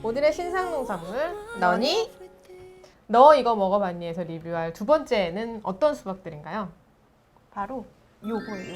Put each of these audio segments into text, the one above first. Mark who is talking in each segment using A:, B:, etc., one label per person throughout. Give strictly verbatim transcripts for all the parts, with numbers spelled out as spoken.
A: 오늘의 신상농산물 너니? 너 이거 먹어봤니?에서 리뷰할 두 번째는 어떤 수박들인가요?
B: 바로 요거예요.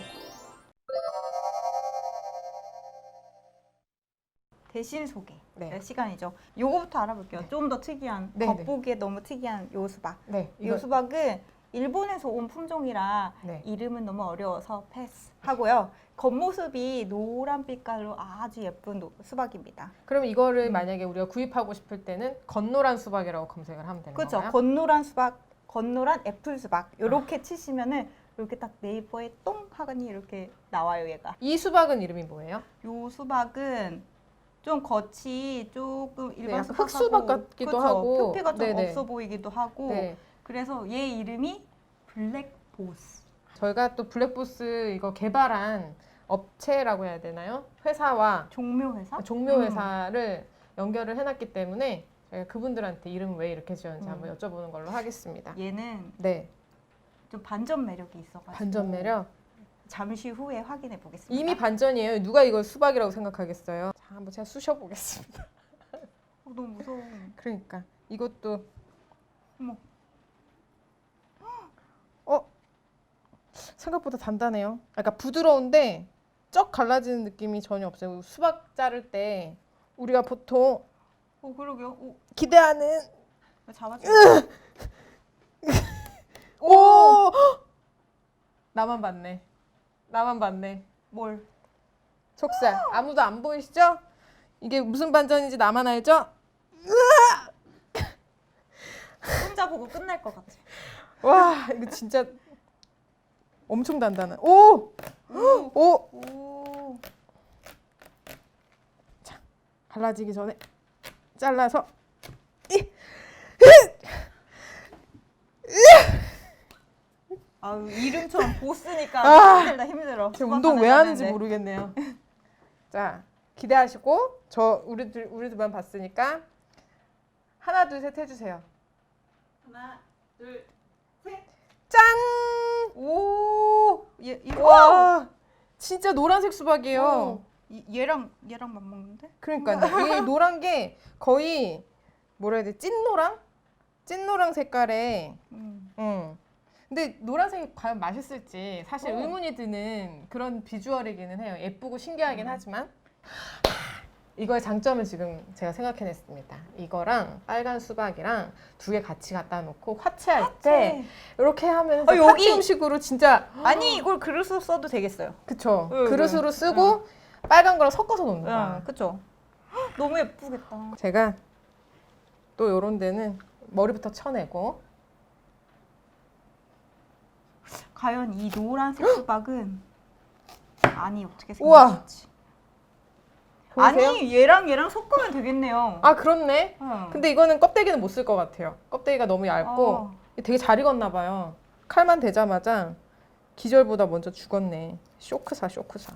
B: 대신 소개
A: 네.
B: 시간이죠. 요거부터 알아볼게요.
A: 네.
B: 좀 더 특이한,
A: 네,
B: 겉보기에 너무 특이한 요 수박.
A: 네,
B: 요 수박은 일본에서 온 품종이라
A: 네.
B: 이름은 너무 어려워서 패스하고요. 겉모습이 노란 빛깔로 아주 예쁜 노, 수박입니다.
A: 그럼 이거를
B: 음.
A: 만약에 우리가 구입하고 싶을 때는 겉노란 수박이라고 검색을 하면 되는
B: 그렇죠.
A: 건가요?
B: 겉노란 수박, 겉노란 애플 수박 이렇게 치시면은 이렇게 딱 네이버에 똥 하더니 이렇게 나와요, 얘가.
A: 이 수박은 이름이 뭐예요?
B: 요 수박은 좀 겉이 조금 일반
A: 약간
B: 수박하고
A: 흑수박 같기도
B: 그쵸?
A: 하고.
B: 표피가 좀
A: 네네.
B: 없어 보이기도 하고
A: 네.
B: 그래서 얘 이름이 블랙보스.
A: 저희가 또 블랙보스 이거 개발한 업체라고 해야 되나요? 회사와
B: 종묘회사?
A: 종묘회사를 연결을 해놨기 때문에 저희가 그분들한테 이름을 왜 이렇게 지었는지
B: 음.
A: 한번 여쭤보는 걸로 하겠습니다.
B: 음. 얘는
A: 네,
B: 좀 반전 매력이 있어가지고
A: 반전 매력.
B: 잠시 후에 확인해 보겠습니다.
A: 이미 반전이에요. 누가 이걸 수박이라고 생각하겠어요? 자, 한번 제가 쑤셔보겠습니다.
B: 어, 너무 무서워.
A: 그러니까 이것도
B: 어머.
A: 어 생각보다 단단해요. 그러니까 부드러운데 쩍 갈라지는 느낌이 전혀 없어요. 수박 자를 때 우리가 보통
B: 어 그러게요. 오,
A: 기대하는
B: 잡아줘.
A: 오 나만 봤네. 나만 봤네.
B: 뭘?
A: 촉살 아무도 안 보이시죠? 이게 무슨 반전인지 나만 알죠?
B: 혼자 보고 끝날 것 같아.
A: 와 이거 진짜 엄청 단단한. 오!
B: 오.
A: 오!
B: 오.
A: 갈라지기 전에 잘라서 이!
B: 아유 이름처럼 보스니까
A: 아.
B: 힘들다 힘들어.
A: 지금
B: 수박
A: 운동
B: 하나
A: 왜
B: 해야
A: 하는지
B: 되는데.
A: 모르겠네요. 자 기대하시고 저 우리들 우리들만 봤으니까 하나 둘 셋 해주세요.
B: 하나 둘 셋.
A: 짠!
B: 오. 얘 이거
A: 와 진짜 노란색 수박이에요.
B: 어. 이, 얘랑 얘랑 맞먹는데?
A: 그러니까요. 이 노란 게 거의 뭐라 해야 돼? 찐노랑? 찐노랑 색깔에.
B: 음.
A: 음. 근데 노란색이 과연 맛있을지 사실
B: 어.
A: 의문이 드는 그런 비주얼이기는 해요. 예쁘고 신기하긴
B: 음.
A: 하지만 이거의 장점을 지금 제가 생각해냈습니다. 이거랑 빨간 수박이랑 두 개 같이 갖다 놓고 화채할 때 이렇게 하면
B: 어,
A: 서
B: 여기!
A: 파티 음식으로 진짜
B: 아니 이걸 그릇으로 써도 되겠어요.
A: 그쵸.
B: 응,
A: 그릇으로
B: 응,
A: 쓰고 빨간 거랑 섞어서 놓는 거야.
B: 응, 그쵸. 헉, 너무 예쁘겠다.
A: 제가 또 요런 데는 머리부터 쳐내고
B: 과연 이 노란색 수박은 아니 어떻게
A: 우와!
B: 생겼을지.
A: 보이세요?
B: 아니 얘랑 얘랑 섞으면 되겠네요.
A: 아 그렇네.
B: 응.
A: 근데 이거는 껍데기는 못 쓸 것 같아요. 껍데기가 너무 얇고
B: 어.
A: 되게 잘 익었나 봐요. 칼만 대자마자 기절보다 먼저 죽었네. 쇼크사 쇼크사.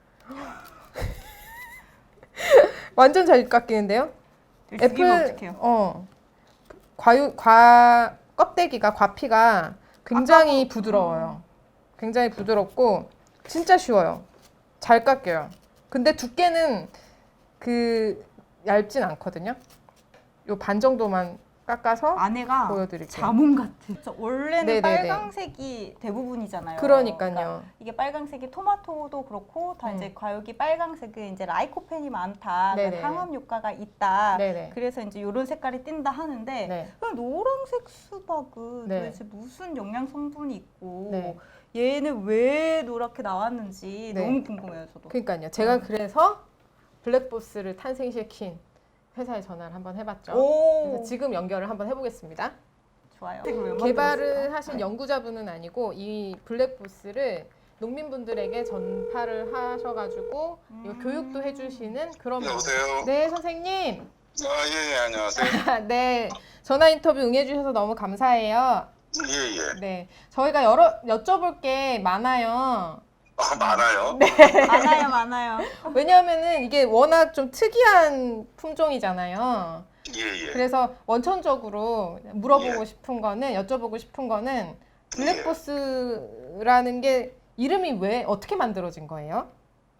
A: 완전 잘 깎이는데요?
B: 죽이면 어떡해요?
A: 어 과유 과 껍데기가 과피가 굉장히
B: 아까워.
A: 부드러워요. 굉장히 부드럽고 진짜 쉬워요. 잘 깎여요. 근데 두께는 그 얇진 않거든요. 요 반 정도만 깎아서
B: 안에가
A: 보여드릴게요.
B: 자몽 같아. 그쵸, 원래는
A: 네네네.
B: 빨강색이 대부분이잖아요.
A: 그러니까요.
B: 그러니까 이게 빨강색이 토마토도 그렇고 다
A: 음.
B: 이제 과육이 빨강색은 이제 라이코펜이 많다,
A: 네네네.
B: 항암 효과가 있다.
A: 네네.
B: 그래서 이제 이런 색깔이 띈다 하는데
A: 네.
B: 그럼 노란색 수박은
A: 네.
B: 도대체 무슨 영양 성분이 있고
A: 네.
B: 얘는 왜 노랗게 나왔는지
A: 네.
B: 너무 궁금해요, 저도.
A: 그러니까요. 제가
B: 음.
A: 그래서 블랙보스를 탄생시킨 회사에 전화를 한번 해봤죠.
B: 오,
A: 그래서 지금 연결을 한번 해보겠습니다.
B: 좋아요.
A: 개발을 하신 연구자분은 아니고 이 블랙보스를 농민분들에게 전파를 하셔가지고 이거
B: 음.
A: 교육도 해주시는 그런 분.
C: 여보세요?
A: 네 선생님.
C: 아, 예, 예, 안녕하세요.
A: 네 전화 인터뷰 응해주셔서 너무 감사해요.
C: 예, 예.
A: 네 저희가 여러 여쭤볼 게 많아요.
C: 아, 많아요?
A: 네.
B: 많아요, 많아요.
A: 왜냐하면은 이게 워낙 좀 특이한 품종이잖아요.
C: 예, 예.
A: 그래서 원천적으로 물어보고
C: 예.
A: 싶은 거는 여쭤보고 싶은 거는 블랙보스라는 게 이름이 왜 어떻게 만들어진 거예요?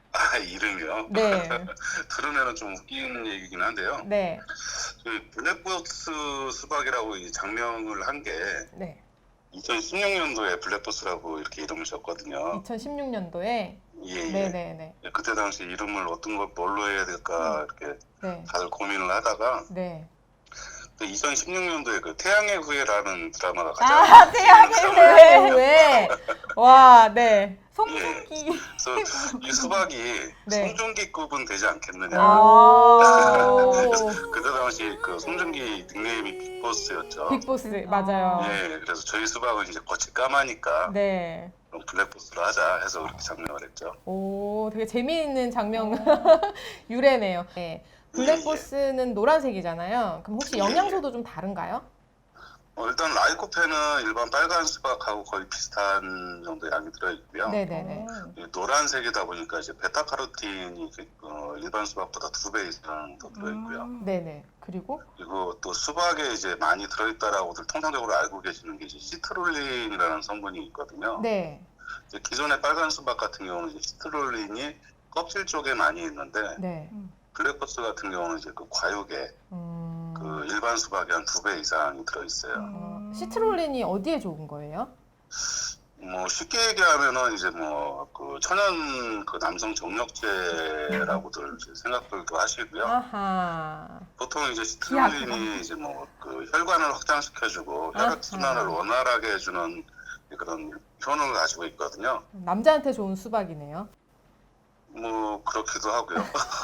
C: 아, 이름이요?
A: 네.
C: 들으면 좀 웃기는 얘기긴 한데요.
A: 네.
C: 그 블랙박스 수박이라고 이 장명을 한 게
A: 네.
C: 이천십육 년도에 블랙박스라고 이렇게 이름을 졌거든요.
A: 이천십육 년도에
C: 예, 예.
A: 네네네.
C: 예, 그때 당시 이름을 어떤 걸 뭘로 해야 될까 이렇게
A: 네.
C: 다들 고민을 하다가
A: 네.
C: 그 이천십육 년도에 그 태양의 후예라는 드라마가 가장
B: 아, 태양의
C: 유명한
B: 후예.
A: 네. 왜? 와, 네.
B: 송중기.
C: 그래서 이 수박이
A: 네.
C: 송중기급은 되지 않겠느냐.
A: 아.
C: 그때 당시 그 송중기 닉네임이 빅보스였죠.
A: 빅보스 맞아요.
C: 예, 그래서 저희 수박은 이제 겉이 까마니까
A: 네.
C: 그럼 블랙보스로 하자 해서 그렇게 장명을 했죠.
A: 오, 되게 재미있는 장면 유래네요. 네. 블랙보스는 노란색이잖아요. 그럼 혹시 영양소도 좀 다른가요?
C: 어, 일단 라이코펜은 일반 빨간 수박하고 거의 비슷한 정도의 양이 들어있고요.
A: 네네네.
C: 이 노란색이다 보니까 이제 베타카로틴이 어, 일반 수박보다 두 배 이상 더 들어있고요.
B: 음.
A: 네네. 그리고
C: 그리고 또 수박에 이제 많이 들어있다라고들 통상적으로 알고 계시는 게 이제 시트룰린이라는 성분이 있거든요.
A: 네.
C: 이제 기존의 빨간 수박 같은 경우는 이제 시트룰린이 껍질 쪽에 많이 있는데
A: 네.
C: 블랙버스 같은 경우는 이제 그 과육에
A: 음.
C: 그 일반 수박이 한 두 배 이상이 들어있어요.
A: 어, 시트롤린이 어디에 좋은 거예요?
C: 뭐 쉽게 얘기하면은 이제 뭐 그 천연 그 남성 정력제라고들 이제 생각들도 하시고요.
A: 아하.
C: 보통 이제
A: 기하구나.
C: 시트룰린이 이제 뭐 그 혈관을 확장시켜주고
A: 아하.
C: 혈액 순환을 원활하게 해주는 그런 효능을 가지고 있거든요.
A: 남자한테 좋은 수박이네요.
C: 뭐 그렇기도 하고요.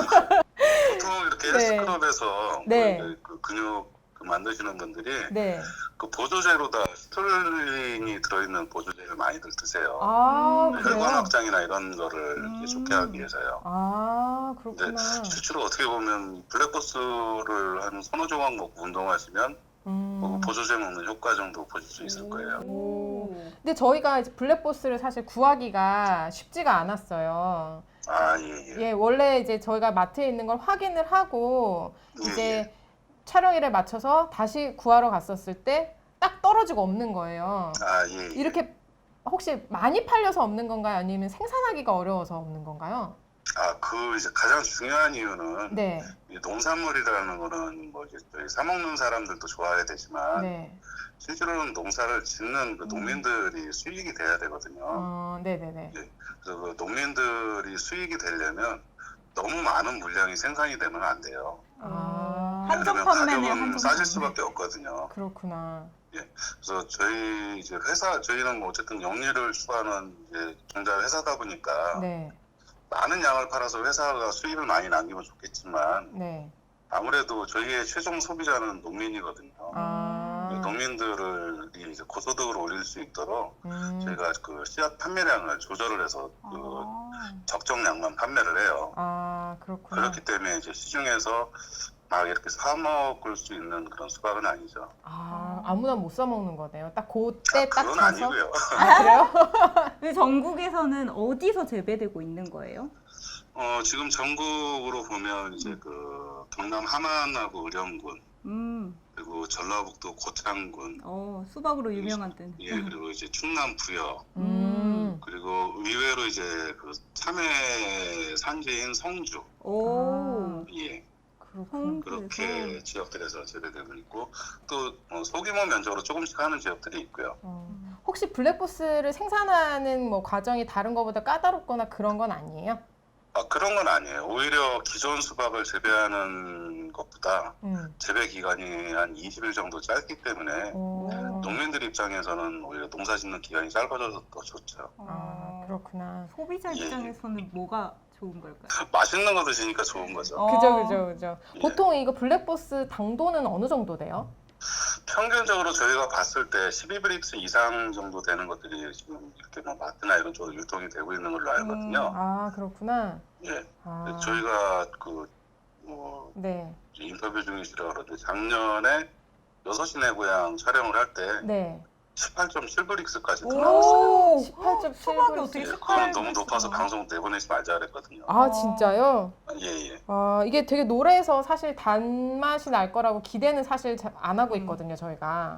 C: 보통 이렇게
A: 네.
C: 헬스클럽에서
A: 네.
C: 그, 그 근육 그 만드시는 분들이
A: 네.
C: 그 보조제로다 시트룰린이 들어있는 보조제를 많이들 드세요.
A: 아,
B: 음,
C: 혈관
A: 그래요?
C: 확장이나 이런 거를 이렇게
B: 음.
C: 좋게 하기 위해서요.
A: 아, 그렇구나.
C: 실제로 어떻게 보면 블랙버스를 한 서너 조각 먹고 운동하시면
A: 음.
C: 뭐 보조제 먹는 효과 정도 보실 수 있을 거예요.
A: 오. 근데 저희가 이제 블랙보스를 사실 구하기가 쉽지가 않았어요.
C: 아, 예, 예.
A: 예, 원래 이제 저희가 마트에 있는 걸 확인을 하고
C: 예,
A: 이제
C: 예.
A: 촬영일에 맞춰서 다시 구하러 갔었을 때 딱 떨어지고 없는 거예요.
C: 아, 예, 예.
A: 이렇게 혹시 많이 팔려서 없는 건가요? 아니면 생산하기가 어려워서 없는 건가요?
C: 아, 그 이제 가장 중요한 이유는
A: 네,
C: 이 농산물이라는 거는 뭐 이제 저희 사 먹는 사람들도 좋아야 되지만
A: 네,
C: 실제로는 농사를 짓는 그 농민들이 수익이 돼야 되거든요.
A: 어, 네, 네, 네.
C: 그래서 그 농민들이 수익이 되려면 너무 많은 물량이 생산이 되면 안 돼요.
A: 아,
B: 한정
C: 그러면
B: 판매네요,
C: 가격은
B: 한정
C: 싸질
B: 판매.
C: 수밖에 없거든요.
A: 그렇구나.
C: 그래서 저희 이제 회사 저희는 뭐 어쨌든 영리를 추구하는 이제 종자 회사다 보니까
A: 네,
C: 많은 양을 팔아서 회사가 수익을 많이 남기면 좋겠지만
A: 네.
C: 아무래도 저희의 최종 소비자는 농민이거든요.
A: 아,
C: 농민들을 이제 고소득을 올릴 수 있도록
A: 음,
C: 저희가 그 씨앗 판매량을 조절을 해서 그
B: 아.
C: 적정량만 판매를 해요.
A: 아, 그렇구나.
C: 그렇기 때문에 이제 시중에서 막 이렇게 사 먹을 수 있는 그런 수박은 아니죠.
A: 아, 아무나 못 사 먹는 거네요. 딱 그때 딱
C: 그건
A: 사서.
C: 아니고요.
A: 아, 그래요?
B: 근데 전국에서는 어디서 재배되고 있는 거예요?
C: 어, 지금 전국으로 보면 이제 그 경남 함안하고 의령군
B: 음,
C: 그리고 전라북도 고창군
B: 어, 수박으로 유명한 데는.
C: 예 그리고 이제 충남 부여
A: 음.
C: 그리고 의외로 이제 그 참외 산지인 성주
B: 오,
C: 예
A: 그렇구나.
C: 그렇게 지역들에서 재배되고 있고 또 어, 소규모 면적으로 조금씩 하는 지역들이 있고요.
A: 어, 혹시 블랙보스를 생산하는 뭐 과정이 다른 것보다 까다롭거나 그런 건 아니에요?
C: 아 그런 건 아니에요. 오히려 기존 수박을 재배하는 것보다
A: 음.
C: 재배 기간이 한 이십 일 정도 짧기 때문에
A: 오.
C: 농민들 입장에서는 오히려 농사 짓는 기간이 짧아져서 더 좋죠.
A: 아, 그렇구나.
B: 소비자
C: 예, 예.
B: 입장에서는 뭐가 좋은 걸까요?
C: 맛있는 거 드시니까 좋은 거죠.
B: 어.
A: 그죠, 그죠, 그죠.
C: 예.
A: 보통 이거 블랙보스 당도는 어느 정도 돼요?
C: 평균적으로 저희가 봤을 때 십이 브릭스 이상 정도 되는 것들이 지금 이렇게 뭐 마트나 이런 쪽으로 유통이 되고 있는 걸로 알거든요.
A: 아, 그렇구나.
C: 예.
A: 아,
C: 저희가 그 뭐
A: 네,
C: 인터뷰 중이시라 그러는데 작년에 여섯 시 내 고향 촬영을 할 때
A: 네.
C: 십팔 점 칠 브릭스까지 나왔어요.
B: 오,
A: 십팔 점 칠
B: 수박이 어떻게
C: 예,
B: 십팔
C: 그거는 너무 높아서
B: 브릭스가
C: 방송 내보내지 말자 그랬거든요.
A: 아, 진짜요?
C: 예, 예.
A: 아, 이게 되게 노래에서 사실 단맛이 날 거라고 기대는 사실 자- 안 하고 있거든요, 저희가.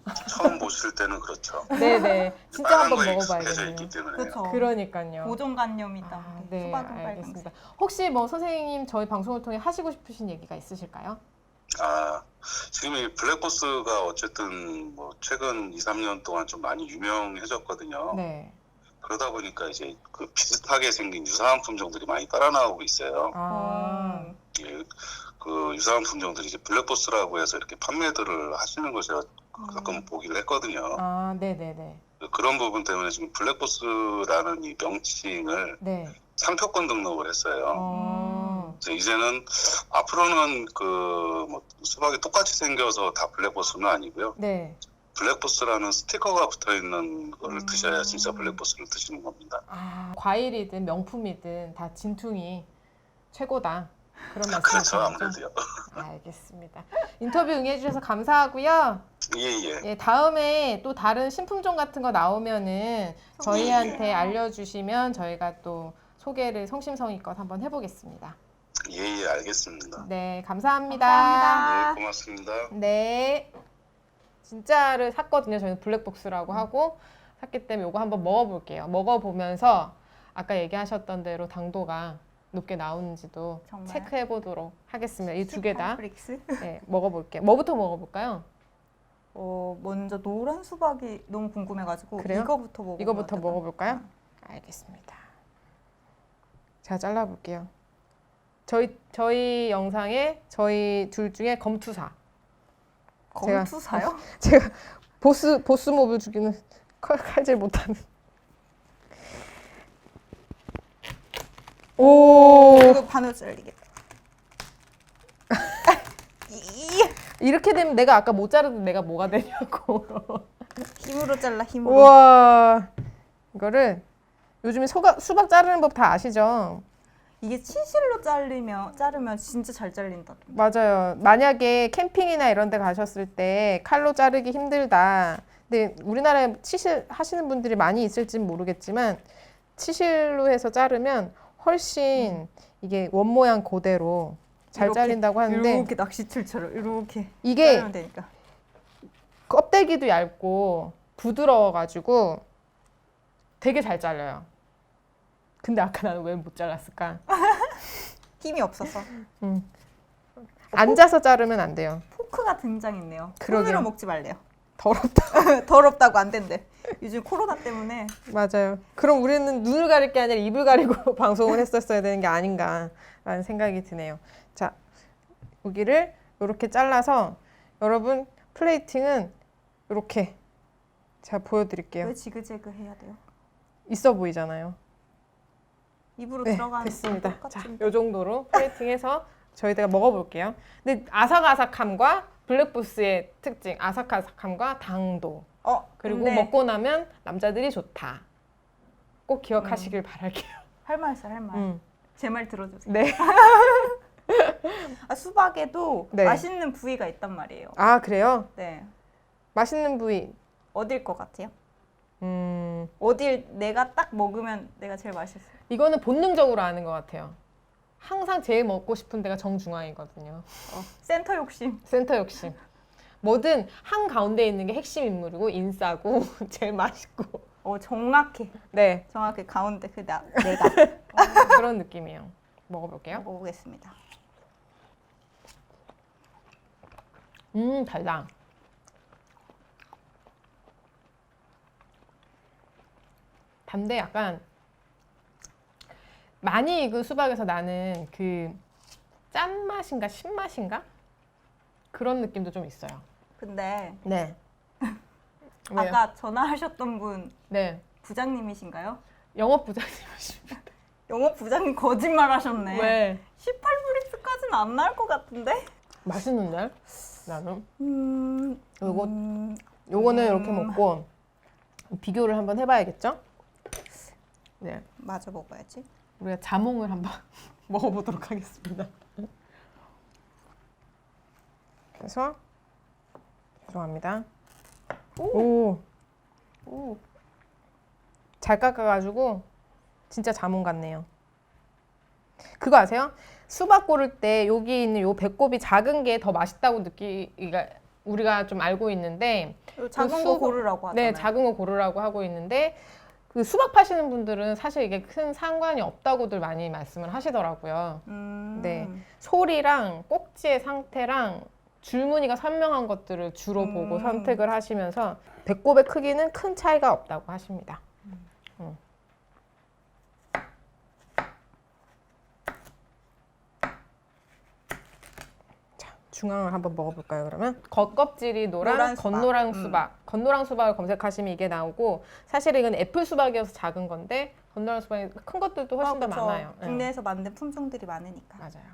C: 처음 보실 때는 그렇죠.
A: 네네. 진짜
C: 빨간
A: 한번
C: 거에 익숙해져
A: 먹어봐야겠네요.
C: 있기 때문에.
B: 그렇죠.
A: 그러니까요.
B: 고정관념이다.
A: 아, 네,
B: 수박은 빨간색.
A: 알겠습니다. 혹시 뭐 선생님 저희 방송을 통해 하시고 싶으신 얘기가 있으실까요?
C: 아, 지금 이 블랙버스가 어쨌든 뭐 최근 이, 삼 년 동안 좀 많이 유명해졌거든요.
A: 네.
C: 그러다 보니까 이제 그 비슷하게 생긴 유사한 품종들이 많이 따라 나오고 있어요.
A: 아,
B: 음.
C: 예, 그 유사한 품종들이 이제 블랙버스라고 해서 이렇게 판매들을 하시는 걸 제가 가끔 보기를 했거든요.
A: 아, 네네네.
C: 그런 부분 때문에 지금 블랙버스라는 이 명칭을
A: 네.
C: 상표권 등록을 했어요.
A: 어,
C: 그래서 이제는 앞으로는 그 뭐 수박이 똑같이 생겨서 다 블랙버스는 아니고요.
A: 네.
C: 블랙버스라는 스티커가 붙어 있는 걸
B: 음.
C: 드셔야 진짜 블랙버스를 드시는 겁니다.
A: 아, 과일이든 명품이든 다 진퉁이 최고다. 그런 말씀이시죠?
C: 그렇죠, 아무래도요.
A: 알겠습니다. 인터뷰 응해주셔서 감사하고요.
C: 예, 예.
A: 예, 다음에 또 다른 신품종 같은 거 나오면은 저희한테
C: 예.
A: 알려주시면 저희가 또 소개를 성심성의껏 한번 해보겠습니다.
C: 예, 예, 알겠습니다.
A: 네, 감사합니다.
B: 감사합니다.
C: 예, 고맙습니다.
A: 네. 진짜를 샀거든요. 저희는 블랙박스라고 하고 샀기 때문에 이거 한번 먹어볼게요. 먹어보면서 아까 얘기하셨던 대로 당도가 높게 나오는지도
B: 정말?
A: 체크해보도록 하겠습니다. 이 두 개 다
B: 브릭스.
A: 네, 먹어볼게요. 뭐부터 먹어볼까요?
B: 어 먼저 노란 수박이 너무 궁금해가지고
A: 그래요?
B: 이거부터 먹어.
A: 이거부터 먹어볼까요? 알겠습니다. 제가 잘라볼게요. 저희 저희 영상에 저희 둘 중에 검투사. 제가-
B: 검투사요?
A: 제가 보스 보스 몹을 죽이는 칼, 칼질 못하는. 오,
B: 이거 반으로 잘리게. 이-
A: 이렇게 되면 내가 아까 못 자르던 내가 뭐가 되냐고.
B: 힘으로 잘라 힘으로.
A: 우와, 이거를 요즘에 소가, 수박 자르는 법 다 아시죠?
B: 이게 치실로 자르면 자르면 진짜 잘 잘린다.
A: 맞아요. 만약에 캠핑이나 이런 데 가셨을 때 칼로 자르기 힘들다. 근데 우리나라에 치실 하시는 분들이 많이 있을진 모르겠지만 치실로 해서 자르면 훨씬 이게 원 모양 그대로 잘
B: 이렇게,
A: 잘린다고 하는데
B: 이렇게 낚시줄처럼 이렇게
A: 이게
B: 자르면 되니까.
A: 껍데기도 얇고 부드러워가지고 되게 잘 잘려요. 근데 아까 나는 왜 못 잘랐을까?
B: 힘이 없어서
A: 앉아서 자르면 안 돼요.
B: 포크가 등장했네요.
A: 그러게요.
B: 손으로 먹지 말래요.
A: 더럽다.
B: 더럽다고 안 된대. 요즘 코로나 때문에
A: 맞아요. 그럼 우리는 눈을 가릴 게 아니라 입을 가리고 방송을 했었어야 되는 게 아닌가라는 생각이 드네요. 자, 고기를 이렇게 잘라서 여러분 플레이팅은 이렇게 제가 보여드릴게요.
B: 왜 지그재그 해야 돼요?
A: 있어 보이잖아요.
B: 입으로
A: 네,
B: 들어가는
A: 됐습니다.
B: 건
A: 자,
B: 똑같은데.
A: 이 정도로 플레이팅해서 저희가 먹어볼게요. 근데 아삭아삭함과 블랙부스의 특징, 아삭아삭함과 당도,
B: 어
A: 그리고
B: 근데
A: 먹고 나면 남자들이 좋다. 꼭 기억하시길 바랄게요.
B: 할 말 있어 할 말.
A: 음.
B: 제 말 들어주세요.
A: 네.
B: 아, 수박에도
A: 네.
B: 맛있는 부위가 있단 말이에요.
A: 아, 그래요?
B: 네.
A: 맛있는 부위.
B: 어딜 것 같아요?
A: 음,
B: 어딜 내가 딱 먹으면 내가 제일 맛있어요.
A: 이거는 본능적으로 아는 것 같아요. 항상 제일 먹고 싶은 데가 정중앙이거든요.
B: 어, 센터 욕심.
A: 센터 욕심. 뭐든 한 가운데 있는 게 핵심 인물이고 인싸고 제일 맛있고.
B: 어 정확해.
A: 네,
B: 정확히 가운데 그 나, 내가
A: 그런 느낌이에요. 먹어볼게요.
B: 먹어보겠습니다.
A: 음, 달다. 단데 약간 많이 익은 수박에서 나는 그 짠맛인가 신맛인가? 그런 느낌도 좀 있어요.
B: 근데
A: 네. 왜요?
B: 아까 전화하셨던 분
A: 네.
B: 부장님이신가요?
A: 영업 부장님이십니다.
B: 영업 부장님 거짓말 하셨네.
A: 왜?
B: 십팔 브릭스까지는 안 나올 것 같은데?
A: 맛있는데? 나는.
B: 음,
A: 요거-
B: 음,
A: 요거는
B: 음.
A: 이렇게 먹고 비교를 한번 해봐야겠죠? 네.
B: 마저 먹어야지.
A: 우리가 자몽을 한번 먹어보도록 하겠습니다. 그래서 죄송합니다. 오,
B: 오,
A: 잘 깎아가지고 진짜 자몽 같네요. 그거 아세요? 수박 고를 때 여기 있는 요 배꼽이 작은 게 더 맛있다고 느끼기가 우리가 좀 알고 있는데
B: 작은
A: 그
B: 거
A: 수박-
B: 고르라고 하잖아요.
A: 네, 작은 거 고르라고 하고 있는데 그 수박 파시는 분들은 사실 이게 큰 상관이 없다고들 많이 말씀을 하시더라고요.
B: 음.
A: 네. 소리랑 꼭지의 상태랑 줄무늬가 선명한 것들을 주로
B: 음.
A: 보고 선택을 하시면서 배꼽의 크기는 큰 차이가 없다고 하십니다. 음. 자, 중앙을 한번 먹어볼까요, 그러면? 겉껍질이 노란,
B: 노란 수박.
A: 건노랑
B: 음.
A: 수박. 건노랑 수박을 검색하시면 이게 나오고 사실 이건 애플 수박이어서 작은 건데 건노랑 수박이 큰 것들도 훨씬
B: 아,
A: 더
B: 그쵸.
A: 많아요. 네.
B: 국내에서 만든 품종들이 많으니까.
A: 맞아요.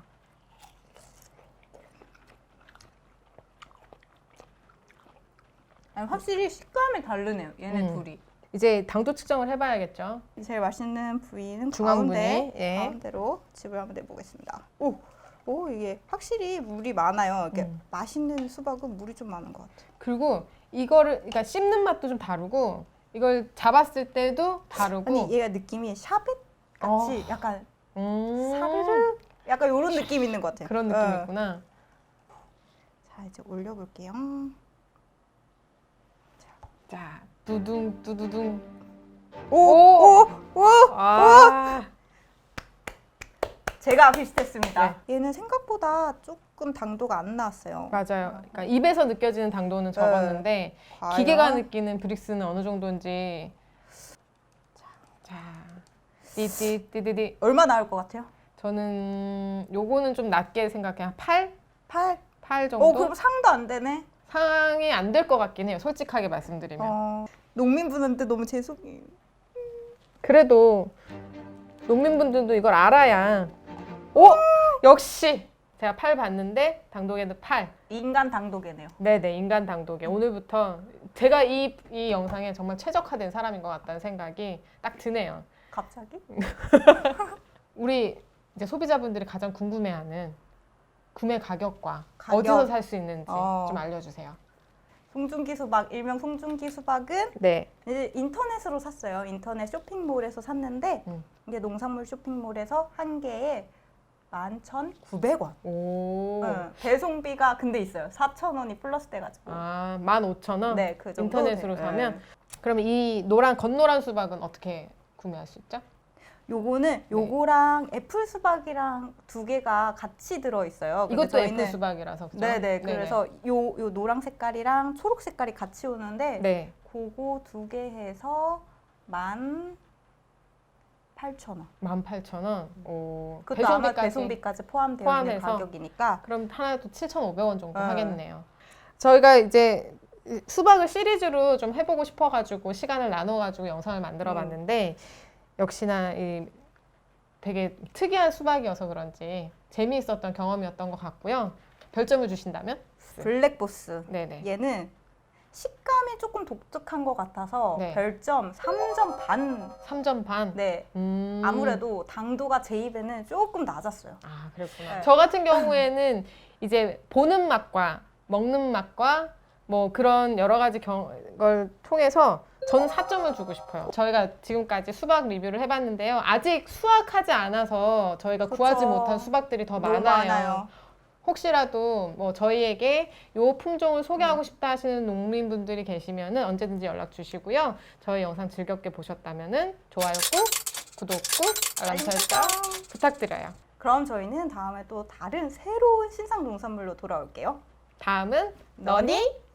B: 아니, 확실히 식감이 다르네요. 얘네
A: 음.
B: 둘이.
A: 이제 당도 측정을 해봐야겠죠.
B: 제일 맛있는 부위는
A: 중앙
B: 가운데,
A: 부위, 예.
B: 가운데로 집을 한번 내보겠습니다. 오, 오 이게 확실히 물이 많아요. 이렇게
A: 음.
B: 맛있는 수박은 물이 좀 많은 것 같아요.
A: 그리고 이거를 그러니까 씹는 맛도 좀 다르고 이걸 잡았을 때도 다르고.
B: 아니 얘가 느낌이 샤벳 같이 약간
A: 음,
B: 사르르 약간 이런 느낌 있는 것 같아요.
A: 그런
B: 어.
A: 느낌이 있구나.
B: 자 이제 올려볼게요.
A: 자, 두둥 두두둥.
B: 오, 오, 오.
A: 아,
B: 제가 비슷했습니다.
A: 네.
B: 얘는 생각보다 조금 당도가 안 나왔어요.
A: 맞아요. 그러니까 입에서 느껴지는 당도는 적었는데
B: 과연?
A: 기계가 느끼는 브릭스는 어느 정도인지. 자, 띠띠띠띠띠.
B: 얼마 나올 것 같아요?
A: 저는 요거는 좀 낮게 생각해. 한 팔?
B: 팔.
A: 팔 정도?
B: 어 그럼 상도 안 되네.
A: 상황이 안 될 것 같긴 해요. 솔직하게 말씀드리면.
B: 어, 농민분한테 너무 죄송해요.
A: 그래도 농민분들도 이걸 알아야 오! 역시 제가 팔 봤는데 당도계는 팔.
B: 인간 당도계네요.
A: 네네, 인간 당도계. 오늘부터 제가 이, 이 영상에 정말 최적화된 사람인 것 같다는 생각이 딱 드네요.
B: 갑자기?
A: 우리 이제 소비자분들이 가장 궁금해하는 구매 가격과
B: 가격.
A: 어디서 살 수 있는지
B: 어.
A: 좀 알려주세요.
B: 송중기 수박, 일명 송중기 수박은
A: 네.
B: 이제 인터넷으로 샀어요. 인터넷 쇼핑몰에서 샀는데
A: 음.
B: 이게 농산물 쇼핑몰에서 한 개에 만 천구백 원.
A: 오.
B: 응, 배송비가 근데 있어요. 사천 원이 플러스 돼가지고.
A: 아, 만 오천 원?
B: 네, 그 정도.
A: 인터넷으로
B: 네.
A: 사면? 그럼 이 노란, 건노란 수박은 어떻게 구매할 수 있죠?
B: 요거는 요거랑 애플 수박이랑 두 개가 같이 들어 있어요. 근데
A: 이것도
B: 저희는-
A: 애플 수박이라서 그죠?
B: 네네. 그래서 요, 요 노랑 색깔이랑 초록 색깔이 같이 오는데
A: 네.
B: 그거 두 개 해서 만 팔천 원.
A: 만 팔천 원. 오.
B: 그것도 아마
A: 배송비까지.
B: 배송비까지 포함되어
A: 포함해서.
B: 있는 가격이니까
A: 그럼 하나도 칠천오백 원 정도
B: 어.
A: 하겠네요. 저희가 이제 수박을 시리즈로 좀 해보고 싶어가지고 시간을 나눠가지고 영상을 만들어 봤는데 역시나 이 되게 특이한 수박이어서 그런지 재미있었던 경험이었던 것 같고요. 별점을 주신다면?
B: 블랙보스.
A: 네네.
B: 얘는 식감이 조금 독특한 것 같아서
A: 네.
B: 별점 삼 점 반.
A: 삼 점 반?
B: 네.
A: 음.
B: 아무래도 당도가 제 입에는 조금 낮았어요.
A: 아, 그랬구나.
B: 네.
A: 저 같은 경우에는 이제 보는 맛과 먹는 맛과 뭐 그런 여러 가지 경, 걸 통해서 저는 사 점을 주고 싶어요. 저희가 지금까지 수박 리뷰를 해봤는데요. 아직 수확하지 않아서 저희가
B: 그쵸.
A: 구하지 못한 수박들이 더
B: 너무
A: 많아요.
B: 많아요.
A: 혹시라도 뭐 저희에게 요 품종을 소개하고 싶다 하시는 농민분들이 계시면은 언제든지 연락 주시고요. 저희 영상 즐겁게 보셨다면은 좋아요 꾹, 구독 꾹, 알람 설정 부탁드려요.
B: 그럼 저희는 다음에 또 다른 새로운 신상 농산물로 돌아올게요.
A: 다음은
B: 너니